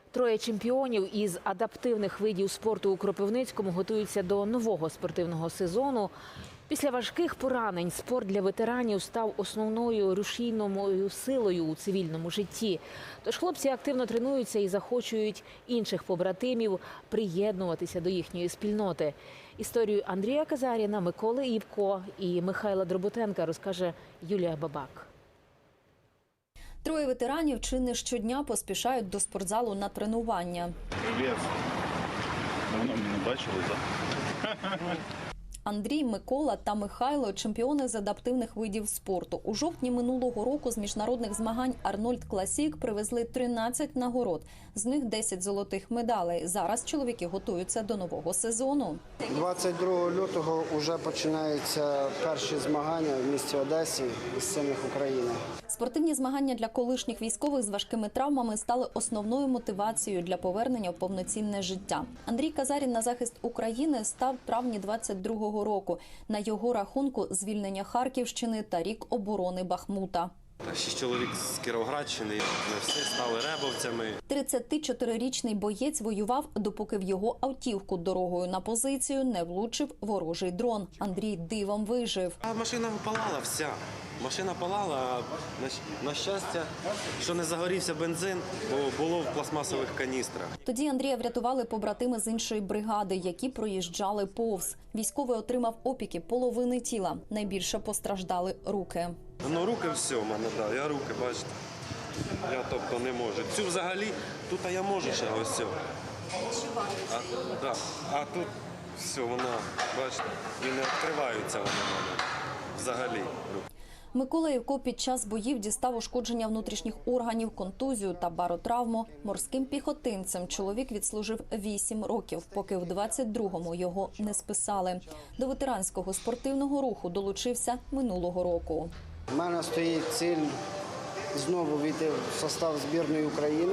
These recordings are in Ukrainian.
Троє чемпіонів із адаптивних видів спорту у Кропивницькому готуються до нового спортивного сезону. Після важких поранень спорт для ветеранів став основною рушійною силою у цивільному житті. Тож хлопці активно тренуються і захочують інших побратимів приєднуватися до їхньої спільноти. Історію Андрія Казаріна, Миколи Івко і Михайла Дроботенка розкаже Юлія Бабак. Троє ветеранів чи не щодня поспішають до спортзалу на тренування. Привіт. Давно мене не бачили, так? Андрій, Микола та Михайло – чемпіони з адаптивних видів спорту. У жовтні минулого року з міжнародних змагань «Арнольд Класік» привезли 13 нагород. З них 10 золотих медалей. Зараз чоловіки готуються до нового сезону. 22 лютого вже починаються перші змагання в місті Одесі із сильних України. Спортивні змагання для колишніх військових з важкими травмами стали основною мотивацією для повернення в повноцінне життя. Андрій Казарін на захист України став в травні 22-го року. На його рахунку звільнення Харківщини та рік оборони Бахмута. 6 чоловік з Кіровоградщини, ми всі стали ребовцями. 34-річний боєць воював, допоки в його автівку дорогою на позицію не влучив ворожий дрон. Андрій дивом вижив. А машина палала вся. Машина палала, а на щастя, що не загорівся бензин, бо було в пластмасових каністрах. Тоді Андрія врятували побратими з іншої бригади, які проїжджали повз. Військовий отримав опіки половини тіла. Найбільше постраждали руки. Ну, руки все в мене, да, я руки, бачите. Я тобто не можу. Цю взагалі, тут я можу ще ось цю. А тут все, вона, бачите, і не відкриваються вони в мене взагалі. Микола Івко під час боїв дістав ушкодження внутрішніх органів, контузію та баротравму. Морським піхотинцем чоловік відслужив 8 років, поки в 22-му його не списали. До ветеранського спортивного руху долучився минулого року. У мене стоїть ціль знову війти в состав збірної України.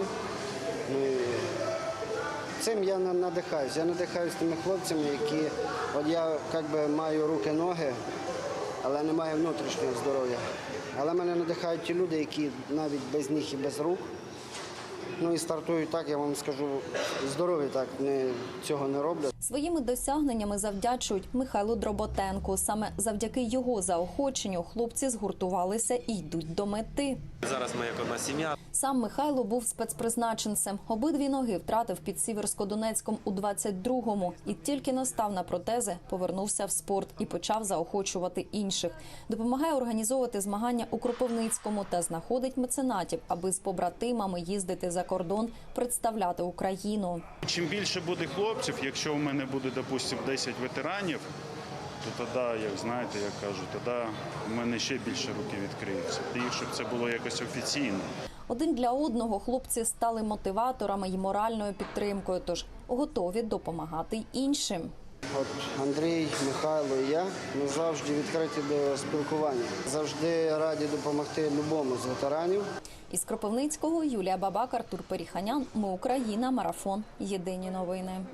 Цим я надихаюсь. Я надихаюсь тими хлопцями, які, от я маю руки-ноги, але не маю внутрішнього здоров'я. Але мене надихають ті люди, які навіть без ніг і без рук. Ну і стартують так, я вам скажу, здорові так цього не роблять. Своїми досягненнями завдячують Михайлу Дроботенку. Саме завдяки його заохоченню хлопці згуртувалися і йдуть до мети. Зараз ми як одна сім'я. Сам Михайло був спецпризначенцем. Обидві ноги втратив під Сіверсько-Донецьком у 22-му. І тільки настав на протези, повернувся в спорт і почав заохочувати інших. Допомагає організовувати змагання у Кропивницькому та знаходить меценатів, аби з побратимами їздити за кордон, представляти Україну. Чим більше буде хлопців, якщо у мене буде, допустимо, 10 ветеранів, то тоді, як знаєте, як кажуть, тоді у мене ще більше руки відкриються. І щоб це було якось офіційно. Один для одного хлопці стали мотиваторами і моральною підтримкою, тож готові допомагати й іншим. От Андрій, Михайло і я, ми завжди відкриті до спілкування. Завжди раді допомогти любому з ветеранів. Із Кропивницького Юлія Бабак, Артур Періханян. Ми Україна. Марафон. Єдині новини.